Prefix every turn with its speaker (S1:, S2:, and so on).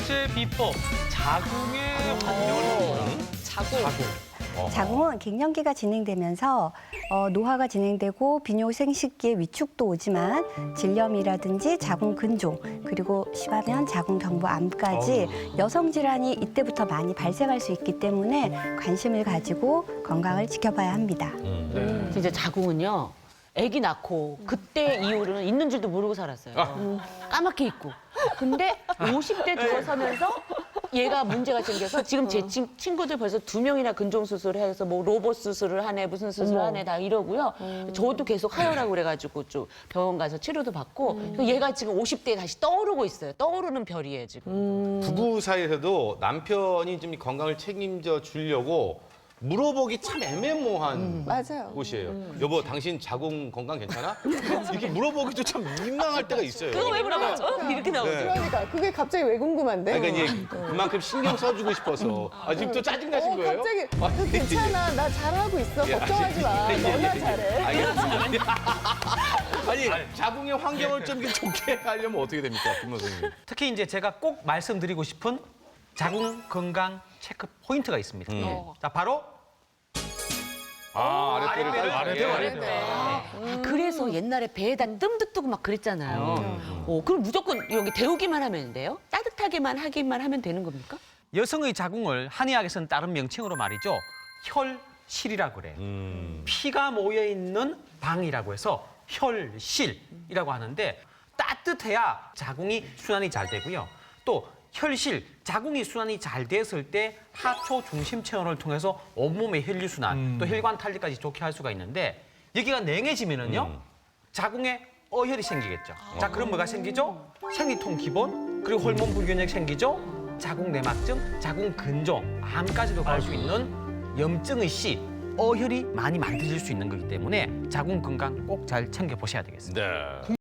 S1: 번째 비법, 자궁의 환경을 보는
S2: 자궁.
S3: 자궁은 갱년기가 진행되면서 노화가 진행되고 비뇨 생식기의 위축도 오지만 질염이라든지 자궁 근종 그리고 심하면 자궁 경부암까지 여성 질환이 이때부터 많이 발생할 수 있기 때문에 관심을 가지고 건강을 지켜봐야 합니다.
S4: 진짜 자궁은요. 아기 낳고 그때 이후로는 있는 줄도 모르고 살았어요. 까맣게 있고. 근데 50대 들어서면서 얘가 문제가 생겨서 지금 제 친구들 벌써 2명이나 근종 수술을 해서 뭐 로봇 수술을 하네 무슨 수술을 하네 다 이러고요. 저도 계속 하혈하고 그래가지고 좀 병원 가서 치료도 받고 얘가 지금 50대에 다시 떠오르고 있어요. 떠오르는 별이에요 지금.
S5: 부부 사이에서도 남편이 좀 건강을 책임져 주려고 물어보기 참 애매모호한
S2: 맞아요.
S5: 곳이에요. 여보, 당신 자궁 건강 괜찮아? 이렇게 물어보기도 참 민망할 때가 있어요.
S4: 그거 왜 물어봐요? 이렇게 나오죠.
S5: 네.
S2: 그러니까 그게 갑자기 왜 궁금한데?
S5: 그러니까 이제 그만큼 신경 써주고 싶어서. 아, 지금 또 짜증나신 거예요?
S2: 갑자기
S5: 아,
S2: 너 괜찮아. 나 잘하고 있어.
S5: 예,
S2: 걱정하지 마.
S5: 예, 예,
S2: 너나
S5: 예.
S2: 잘해.
S5: 알겠습니다. 아니, 자궁의 환경을 좀 좋게 하려면 어떻게 됩니까, 김 선생님?
S1: 특히 이제 제가 꼭 말씀드리고 싶은 자궁 건강 체크 포인트가 있습니다. 자, 바로
S5: 아랫배를
S1: 아랫배.
S4: 그래서 옛날에 배에다 뜸도 뜨고 막 그랬잖아요. 그럼 무조건 여기 데우기만 하면 돼요? 따뜻하게만 하기만 하면 되는 겁니까?
S1: 여성의 자궁을 한의학에서는 다른 명칭으로 말이죠. 혈실이라고 그래요. 피가 모여 있는 방이라고 해서 혈실이라고 하는데 따뜻해야 자궁이 순환이 잘 되고요. 또 혈실, 자궁이 순환이 잘 됐을 때 하초 중심 체온을 통해서 온몸의 혈류 순환, 또 혈관 탈리까지 좋게 할 수가 있는데 여기가 냉해지면은요. 자궁에 어혈이 생기겠죠. 자, 그럼 뭐가 생기죠? 생리통 기본, 그리고 호르몬 불균형 생기죠. 자궁 내막증, 자궁 근종, 암까지도 갈 수 있는 염증의 씨, 어혈이 많이 만들어질 수 있는 거기 때문에 자궁 건강 꼭 잘 챙겨 보셔야 되겠습니다.
S5: 네.